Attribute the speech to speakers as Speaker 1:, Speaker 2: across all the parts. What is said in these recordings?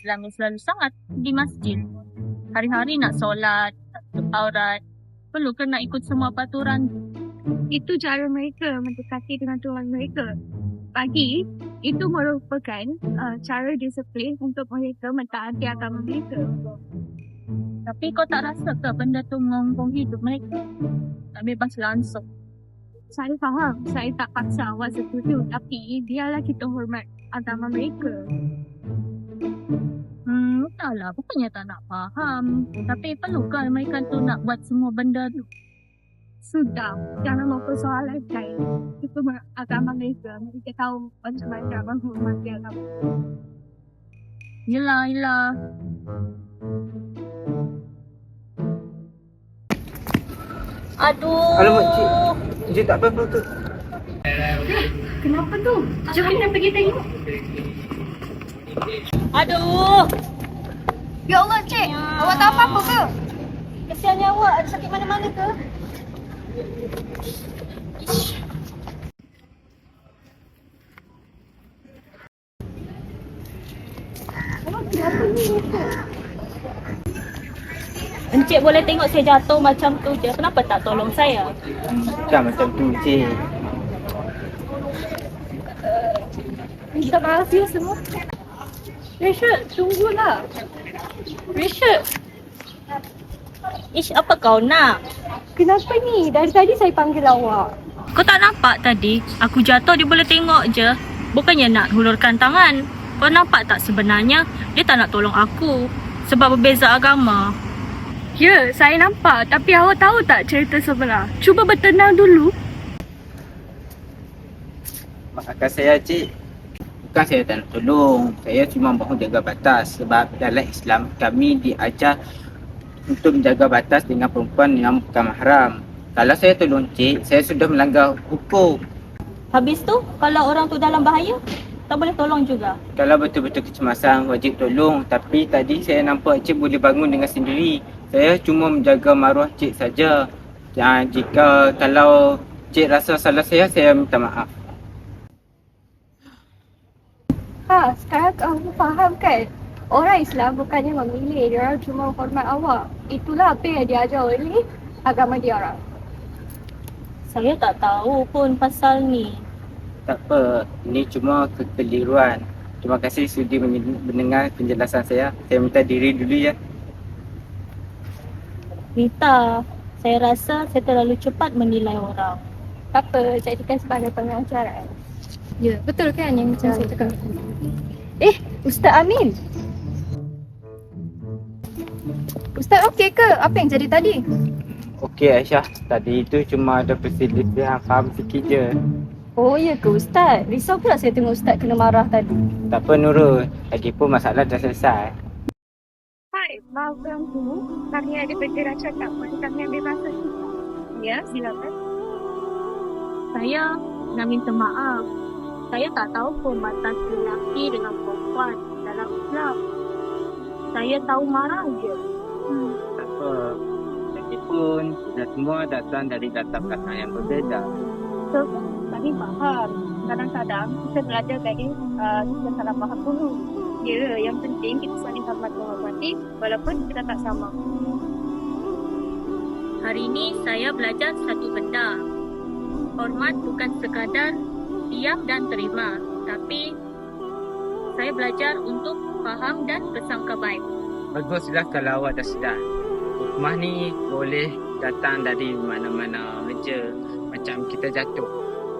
Speaker 1: Islam yang selalu sangat di masjid. Hari-hari nak solat, nak tutup aurat, perlu ke nak ikut semua peraturan?
Speaker 2: Itu cara mereka mendekati dengan Tuhan mereka. Bagi, itu merupakan cara disiplin untuk mereka mentaati agama mereka.
Speaker 1: Tapi kau tak rasa ke benda tu mengonggong hidup mereka? Tak bebas langsung.
Speaker 2: Saya faham, saya tak paksa awak setuju, tapi biarlah kita hormat agama mereka.
Speaker 1: Entahlah, bukannya tak nak faham. Tapi perlukah mereka tu nak buat semua benda tu?
Speaker 2: Sudah, jangan mempersoalkan itu agama mereka. Mereka tahu macam mana menghormati agama.
Speaker 1: Yelah. Aduh.
Speaker 3: Alamak, Cik. Cik tak apa-apa tu.
Speaker 2: Kenapa tu? Jom kita pergi tengok.
Speaker 1: Aduh.
Speaker 2: Ya Allah, Cik. Awak tak apa-apa ke?
Speaker 1: Kesiannya awak ada sakit mana-mana ke? Encik boleh tengok saya jatuh macam tu je. Kenapa tak tolong saya?
Speaker 3: Bukan macam tu, Cik.
Speaker 2: Minta maaf ya semua. Rachel, tunggulah. Rachel,
Speaker 1: Ish, apa kau nak?
Speaker 2: kenapa ni? Dari tadi saya panggil awak.
Speaker 1: Kau tak nampak tadi? Aku jatuh dia boleh tengok je. Bukannya nak hulurkan tangan. Kau nampak tak sebenarnya dia tak nak tolong aku. Sebab berbeza agama.
Speaker 2: Ya, saya nampak. Tapi awak tahu tak cerita sebenar? Cuba bertenang dulu.
Speaker 3: Maafkan saya, Cik. Bukan saya tak nak tolong. Saya cuma mahu jaga batas. Sebab dalam Islam kami diajar untuk menjaga batas dengan perempuan yang bukan mahram. Kalau saya tolong Cik, saya sudah melanggar hukum.
Speaker 1: Habis tu, kalau orang tu dalam bahaya, tak boleh tolong juga.
Speaker 3: Kalau betul-betul kecemasan, wajib tolong. Tapi tadi saya nampak Cik boleh bangun dengan sendiri. Saya cuma menjaga maruah Cik saja. Kalau Cik rasa salah saya minta maaf.
Speaker 2: Sekarang kamu faham kan? Orang Islam bukannya memilih, dia orang cuma hormat awak. Itulah apa yang diajar oleh agama dia orang.
Speaker 1: Saya tak tahu pun pasal ni.
Speaker 3: Tak apa, ini cuma kekeliruan. Terima kasih sudi mendengar penjelasan saya. Saya minta diri dulu ya.
Speaker 1: Rita, saya rasa saya terlalu cepat menilai orang.
Speaker 2: Tak apa, jadikan sebagai pengajaran. Ya, betul kan yang macam saya cakap? Ustaz Amin. Ustaz okey ke apa yang jadi tadi?
Speaker 3: Okey Aisyah, tadi itu cuma ada perselisihan faham sikit je.
Speaker 2: Oh ya ke Ustaz? Risau pula saya tengok Ustaz kena marah tadi.
Speaker 3: Tak apa Nurul, lagipun masalah dah selesai.
Speaker 2: Hai, maaf ganggu. Kami ada bergerak cakap pada kami ambil masa. Ya, silakan.
Speaker 1: Saya nak minta maaf. Saya tak tahu pun batas lelaki dengan perempuan dalam Islam. Saya tahu marah je.
Speaker 3: Tak apa, lagipun kita semua datang dari latar belakang yang berbeza.
Speaker 1: So, kami faham. Kadang-kadang kita belajar dari kita salah faham dulu.
Speaker 2: Ya, yang penting kita saling hormat menghormati walaupun kita tak sama.
Speaker 1: Hari ini saya belajar satu benda. Hormat bukan sekadar diam dan terima, tapi saya belajar untuk faham dan bersangka baik.
Speaker 3: Baguslah kalau awak dah sedar. Hikmah ni boleh datang dari mana-mana je. Macam kita jatuh.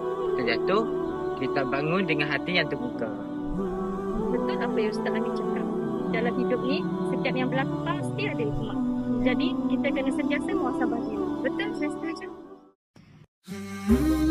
Speaker 3: Kita bangun dengan hati yang terbuka.
Speaker 2: Betul apa yang Ustaz Amin cakap. Dalam hidup ni, setiap yang berlaku pasti ada hikmah. Jadi, kita kena sentiasa muhasabah diri. Betul, saya setuju.